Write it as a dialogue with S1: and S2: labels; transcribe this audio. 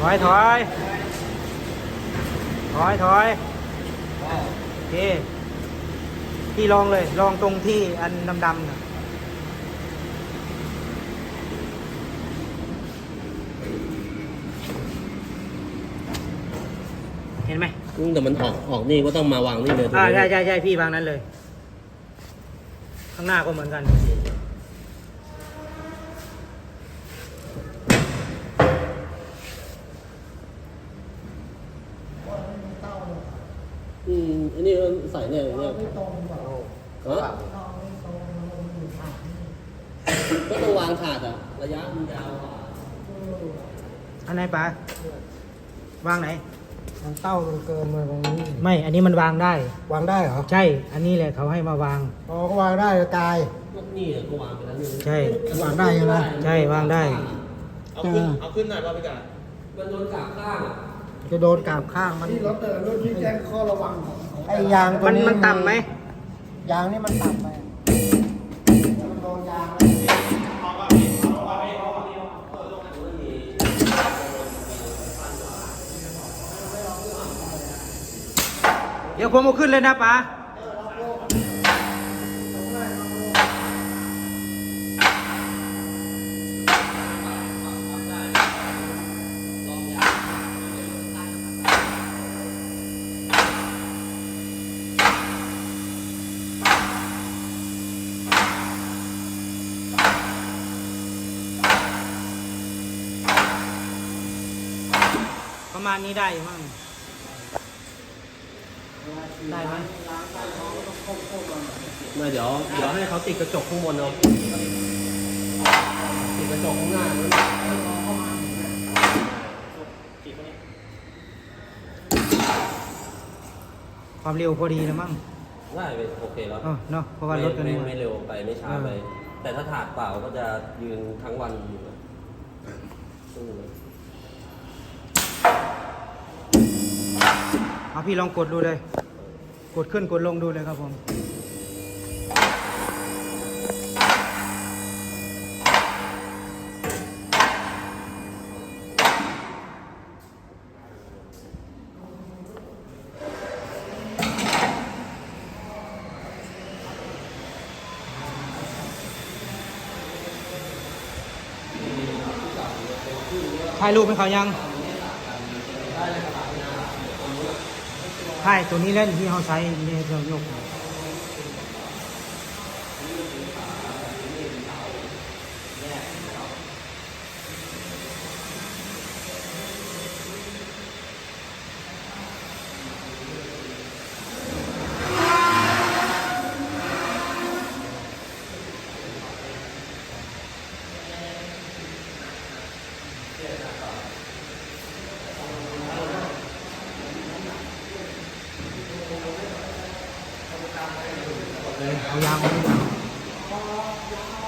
S1: อยถอยถอยถอยโอเคพี่ลองเลยลองตรงที่อันดำๆนะเห็นไหม
S2: แต่มันออกนี่ก็ต้องมาวางนี่เลย
S1: ใช่ใช่พี่วางนั้นเลยข้างหน้าก็เหมือนกัน
S2: อันนี้ใส่เนี่ยเนี่ยก็ต้องวางถาดอะระยะมันยาว
S1: อันไหนปะวางไหน
S3: มันเต้ามันเกินมาตรงนี้
S1: ไม่อันนี้มันวางได้
S3: วางได้เหรอ
S1: ใช่อันนี้แหละเขาให้มาวาง
S3: อ๋อก็วางได้กาย
S2: นี่ก็วางไปแล้วนี่
S1: ใช่
S3: วางได้ใช่ไหม
S1: ใช่วางได้
S2: เอาขึ้นหน่อยว่าไปกันมันโดนกาบข้าง
S3: จะโดนกาบข้างมันที่รถรุ่นที่แจ้งข้อระวังไอ้ยางตัวนี้
S1: มันต่ำไหม
S3: ยางนี่มันต่ำไหมมันโดนยาง
S1: เดี๋ยวผมเอาขึ้นเลยนะป๋าประมาณนี้ได้อยู่มั้งได้ไหม
S2: ไม่เดี๋ยวให้เขาติดกระจกข้างบนเอาติดกระจกข้างหน้า
S1: ความเร็วพอดีนะมั้ง
S2: ได้โอเคแล้ว
S1: เนาะเพราะว่ารถกัน
S2: ไม่เร็วไปไม่ช้าไปแต่ถ้าถาดเปล่าก็จะยืนทั้งวันอยู่
S1: เอาพี่ลองกดดูเลยกดขึ้นกดลงดูเลยครับผมถ่ายรูปให้เขายังใช่ตัวนี้เล่นที่เขาใช้ในเรายกเอายางมา